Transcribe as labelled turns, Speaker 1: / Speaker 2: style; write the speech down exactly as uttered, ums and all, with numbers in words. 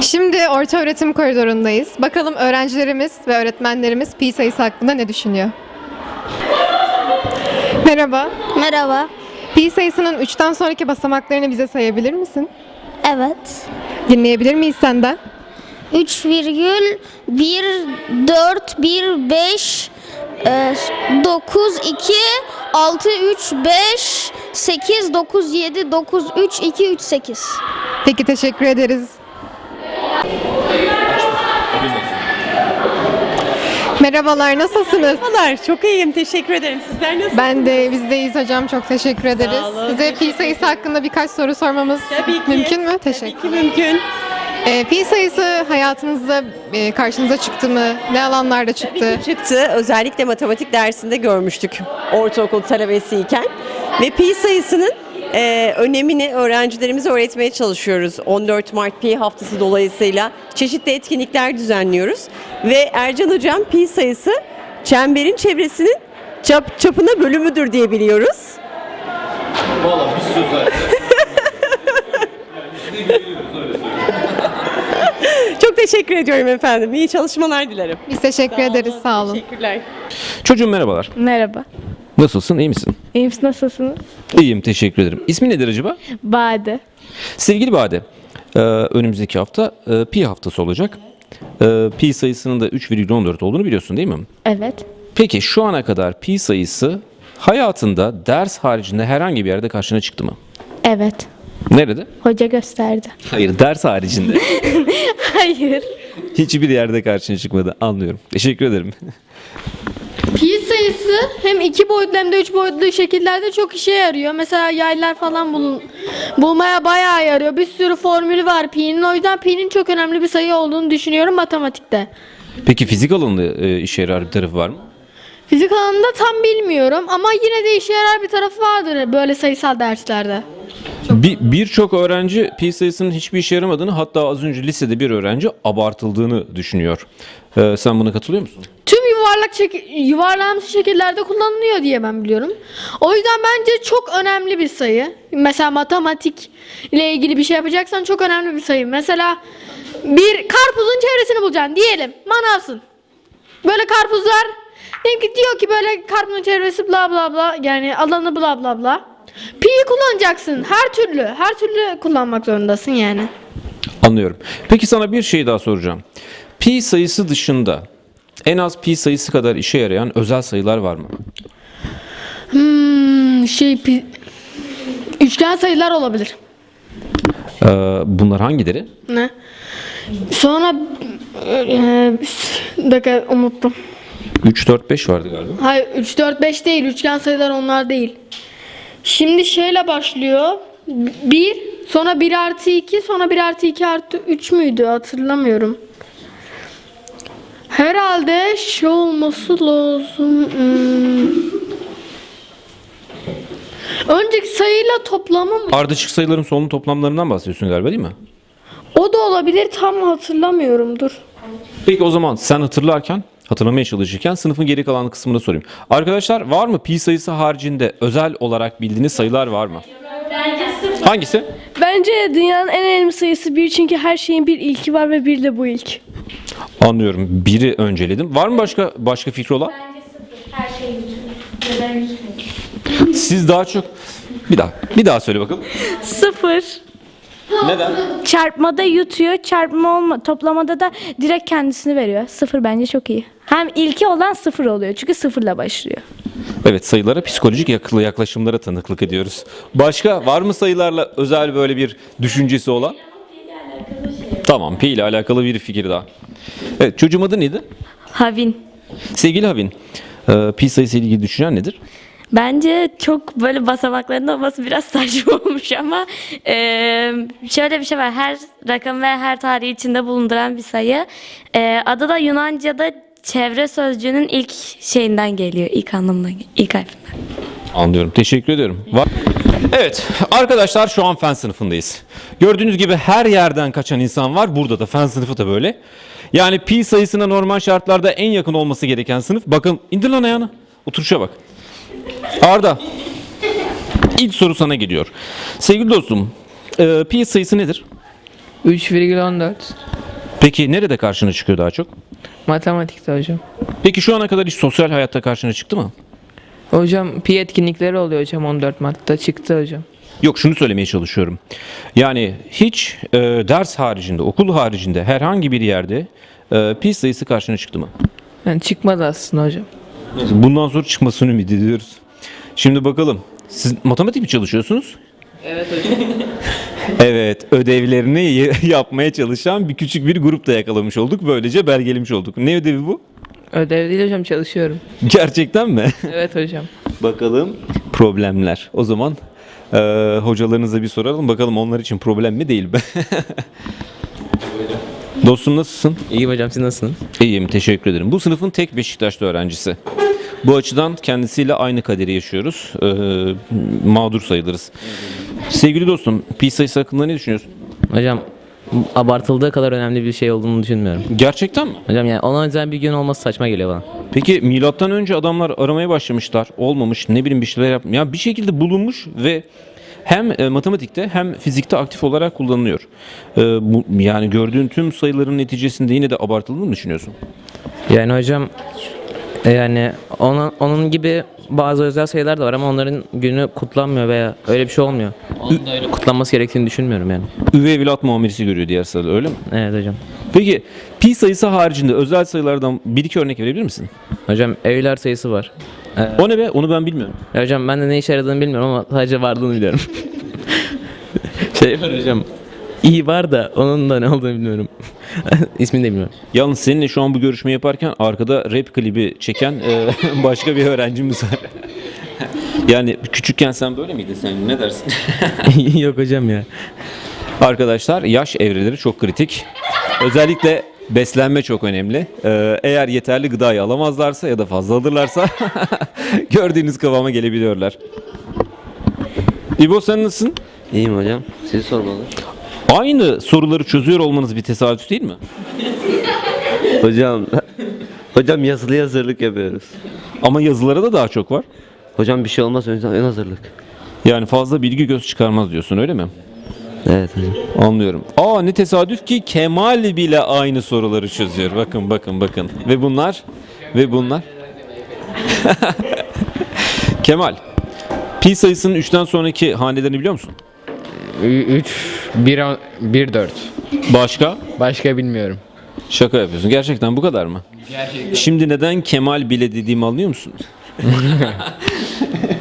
Speaker 1: Şimdi ortaöğretim koridorundayız. Bakalım öğrencilerimiz ve öğretmenlerimiz pi sayısı hakkında ne düşünüyor? Merhaba.
Speaker 2: Merhaba.
Speaker 1: Pi sayısının üçten sonraki basamaklarını bize sayabilir misin?
Speaker 2: Evet.
Speaker 1: Dinleyebilir miyiz senden?
Speaker 2: üç virgül bir dört bir beş dokuz iki altı üç beş sekiz dokuz yedi dokuz üç iki üç sekiz.
Speaker 1: Peki, teşekkür ederiz. Merhabalar, nasılsınız?
Speaker 3: Merhabalar, çok iyiyim. Teşekkür ederim. Sizler nasılsınız?
Speaker 1: Ben de, biz deyiz hocam. Çok teşekkür ederiz.
Speaker 3: olun.
Speaker 1: Size pi sayısı hakkında birkaç soru sormamız
Speaker 3: Tabii ki.
Speaker 1: mümkün mü? Teşekkür.
Speaker 3: Tabii ki mümkün.
Speaker 1: Ee, pi sayısı hayatınızda e, karşınıza çıktı mı? Ne alanlarda çıktı?
Speaker 3: Çıktı. Özellikle matematik dersinde görmüştük ortaokul talebesiyken. Ve pi sayısının e, önemini öğrencilerimize öğretmeye çalışıyoruz. on dört Mart Pi Haftası dolayısıyla çeşitli etkinlikler düzenliyoruz. Ve Ercan Hocam pi sayısı çemberin çevresinin çap, çapına bölümüdür diye biliyoruz.
Speaker 4: Valla bir söz var.
Speaker 3: Çok teşekkür ediyorum efendim. İyi çalışmalar dilerim.
Speaker 1: Biz teşekkür ederiz. Sağ olun.
Speaker 3: Teşekkürler.
Speaker 5: Çocuğum merhabalar.
Speaker 6: Merhaba.
Speaker 5: Nasılsın? İyi misin?
Speaker 6: İyiyim, siz nasılsınız?
Speaker 5: İyiyim, teşekkür ederim. İsmin nedir acaba?
Speaker 6: Bade.
Speaker 5: Sevgili Bade, e, önümüzdeki hafta e, pi haftası olacak. E, pi sayısının da üç virgül on dört olduğunu biliyorsun değil mi?
Speaker 6: Evet.
Speaker 5: Peki şu ana kadar pi sayısı hayatında ders haricinde herhangi bir yerde karşına çıktı mı?
Speaker 6: Evet.
Speaker 5: Nerede?
Speaker 6: Hoca gösterdi.
Speaker 5: Hayır, ders haricinde.
Speaker 6: Hayır.
Speaker 5: Hiçbir yerde karşına çıkmadı. Anlıyorum. Teşekkür ederim.
Speaker 7: Pi sayısı hem iki boyutlu hem de üç boyutlu şekillerde çok işe yarıyor. Mesela yaylar falan bul bulmaya bayağı yarıyor. Bir sürü formülü var pi'nin. O yüzden pi'nin çok önemli bir sayı olduğunu düşünüyorum matematikte.
Speaker 5: Peki fizik alanında e, işe yarar bir tarafı var mı?
Speaker 7: Fizik alanında tam bilmiyorum ama yine de işe yarar bir tarafı vardır böyle sayısal derslerde.
Speaker 5: Bir Birçok öğrenci pi sayısının hiçbir işe yaramadığını, hatta az önce lisede bir öğrenci abartıldığını düşünüyor. Ee, sen buna katılıyor musun?
Speaker 7: Tüm yuvarlak şek- yuvarlanmış şekillerde kullanılıyor diye ben biliyorum. O yüzden bence çok önemli bir sayı. Mesela matematik ile ilgili bir şey yapacaksan çok önemli bir sayı. Mesela bir karpuzun çevresini bulacaksın diyelim. Manavsın. Böyle karpuzlar diyelim ki diyor ki böyle karpuzun çevresi bla bla bla, yani alanı bla bla bla. Pi'yi kullanacaksın her türlü. Her türlü kullanmak zorundasın yani.
Speaker 5: Anlıyorum. Peki sana bir şey daha soracağım. Pi sayısı dışında en az pi sayısı kadar işe yarayan özel sayılar var mı?
Speaker 7: Hmm, şey pi... Üçgen sayılar olabilir.
Speaker 5: Ee, bunlar hangileri?
Speaker 7: Ne? Sonra e, bir dakika unuttum.
Speaker 5: üç, dört, beş vardı galiba.
Speaker 7: Hayır üç, dört, beş değil. Üçgen sayılar onlar değil. Şimdi şeyle başlıyor. bir, sonra bir artı iki, sonra bir artı iki artı üç müydü? Hatırlamıyorum. Herhalde şey olması lazım. Hmm. Önceki sayıyla toplamı mı?
Speaker 5: Ardışık sayıların sonlu toplamlarından bahsediyorsun galiba değil mi?
Speaker 7: O da olabilir, tam hatırlamıyorum. Dur.
Speaker 5: Peki o zaman sen hatırlarken, hatırlamaya çalışırken sınıfın geri kalan kısmını sorayım. Arkadaşlar, var mı pi sayısı haricinde özel olarak bildiğiniz sayılar var mı? Hangisi?
Speaker 6: Bence dünyanın en önemli sayısı bir, çünkü her şeyin bir ilki var ve bir de bu ilk.
Speaker 5: Anlıyorum. Biri önceledim. Var mı başka başka fikri olan? Siz daha çok... Bir daha. Bir daha söyle bakalım.
Speaker 6: Sıfır.
Speaker 5: Neden?
Speaker 6: Çarpmada yutuyor, çarpma olma, toplamada da direkt kendisini veriyor. Sıfır bence çok iyi. Hem ilki olan sıfır oluyor, çünkü sıfırla başlıyor.
Speaker 5: Evet, sayılara psikolojik yaklı yaklaşımlara tanıklık ediyoruz. Başka var mı sayılarla özel böyle bir düşüncesi olan? Tamam, pi ile alakalı bir fikir daha. Evet, çocuğum adı neydi?
Speaker 8: Havin.
Speaker 5: Sevgili Havin, e, pi sayısı ile ilgili düşüncen nedir?
Speaker 8: Bence çok böyle basamakların olması biraz saçma olmuş ama e, şöyle bir şey var. Her rakam ve her tarihi içinde bulunduran bir sayı. E, adı da Yunanca'da çevre sözcüğünün ilk şeyinden geliyor. İlk anlamından, ilk harfinden.
Speaker 5: Anlıyorum. Teşekkür ediyorum. Var. Evet arkadaşlar, şu an fen sınıfındayız. Gördüğünüz gibi her yerden kaçan insan var. Burada da fen sınıfı da böyle. Yani pi sayısına normal şartlarda en yakın olması gereken sınıf. Bakın, indir lan ayağını. Oturuşa bak. Arda. İlk soru sana geliyor. Sevgili dostum, e, pi sayısı nedir?
Speaker 9: üç virgül on dört.
Speaker 5: Peki nerede karşına çıkıyor daha çok?
Speaker 9: Matematikte hocam.
Speaker 5: Peki şu ana kadar hiç sosyal hayatta karşına çıktı mı?
Speaker 9: Hocam pi etkinlikleri oluyor hocam on dört Mart'ta çıktı hocam.
Speaker 5: Yok, şunu söylemeye çalışıyorum. Yani hiç e, ders haricinde, okul haricinde herhangi bir yerde e, pi sayısı karşına çıktı mı?
Speaker 9: Yani çıkmadı aslında hocam.
Speaker 5: Bundan sonra çıkmasını ümit ediyoruz. Şimdi bakalım. Siz matematik mi çalışıyorsunuz?
Speaker 9: Evet hocam.
Speaker 5: Evet, ödevlerini y- yapmaya çalışan bir küçük bir grup da yakalamış olduk. Böylece belgelemiş olduk. Ne ödevi bu?
Speaker 9: Ödev değil hocam, çalışıyorum.
Speaker 5: Gerçekten mi?
Speaker 9: Evet hocam.
Speaker 5: Bakalım problemler. O zaman e, hocalarınıza bir soralım. Bakalım onlar için problem mi değil mi? Dostum nasılsın?
Speaker 10: İyiyim hocam, siz nasılsınız?
Speaker 5: İyiyim, teşekkür ederim. Bu sınıfın tek Beşiktaşlı öğrencisi. Bu açıdan kendisiyle aynı kaderi yaşıyoruz. Ee, mağdur sayılırız. Sevgili dostum, pi sayısı hakkında ne düşünüyorsun?
Speaker 10: Hocam abartıldığı kadar önemli bir şey olduğunu düşünmüyorum.
Speaker 5: Gerçekten mi?
Speaker 10: Hocam yani ona özel bir gün olması saçma geliyor bana.
Speaker 5: Peki milattan önce adamlar aramaya başlamışlar. Olmamış, ne bileyim bir şeyler yap. Ya bir şekilde bulunmuş ve hem e, matematikte hem fizikte aktif olarak kullanılıyor. E, bu, yani gördüğün tüm sayıların neticesinde yine de abartıldığını mı düşünüyorsun?
Speaker 10: Yani hocam e, yani ona, onun gibi bazı özel sayılar da var ama onların günü kutlanmıyor veya öyle bir şey olmuyor. Onun da öyle kutlanması gerektiğini düşünmüyorum yani.
Speaker 5: Üvey evlat muamelesi görüyor diğer sayılar, öyle mi?
Speaker 10: Evet hocam.
Speaker 5: Peki pi sayısı haricinde özel sayılardan bir iki örnek verebilir misin?
Speaker 10: Hocam Euler sayısı var.
Speaker 5: O ne be? Onu ben bilmiyorum.
Speaker 10: Ya hocam ben de ne işe yaradığını bilmiyorum ama sadece varlığını biliyorum. Şey var hocam. İyi var da onun da ne olduğunu bilmiyorum. İsmini de bilmiyorum.
Speaker 5: Yalnız seninle şu an bu görüşme yaparken arkada rap klibi çeken e, başka bir öğrencimiz var. Yani küçükken sen böyle miydin, sen ne dersin?
Speaker 10: Yok hocam ya.
Speaker 5: Arkadaşlar, yaş evreleri çok kritik. Özellikle beslenme çok önemli. Ee, eğer yeterli gıdayı alamazlarsa ya da fazla alırlarsa gördüğünüz kıvama gelebiliyorlar. İbo, sen nasılsın?
Speaker 11: İyiyim hocam. Sizi sormalı.
Speaker 5: Aynı soruları çözüyor olmanız bir tesadüf değil mi?
Speaker 11: Hocam hocam yazılı hazırlık yapıyoruz.
Speaker 5: Ama yazılara da daha çok var.
Speaker 11: Hocam bir şey olmaz, ön ön hazırlık.
Speaker 5: Yani fazla bilgi göz çıkarmaz diyorsun, öyle mi?
Speaker 11: Evet hocam.
Speaker 5: Anlıyorum. Aa, ne tesadüf ki Kemal bile aynı soruları çözüyor. Bakın bakın bakın. Ve bunlar ve bunlar. Kemal, pi sayısının üçten sonraki hanelerini biliyor musun?
Speaker 12: üç, bir, bir, dört.
Speaker 5: Başka?
Speaker 12: Başka bilmiyorum.
Speaker 5: Şaka yapıyorsun. Gerçekten bu kadar mı?
Speaker 12: Gerçekten.
Speaker 5: Şimdi neden Kemal bile dediğimi anlıyor musun?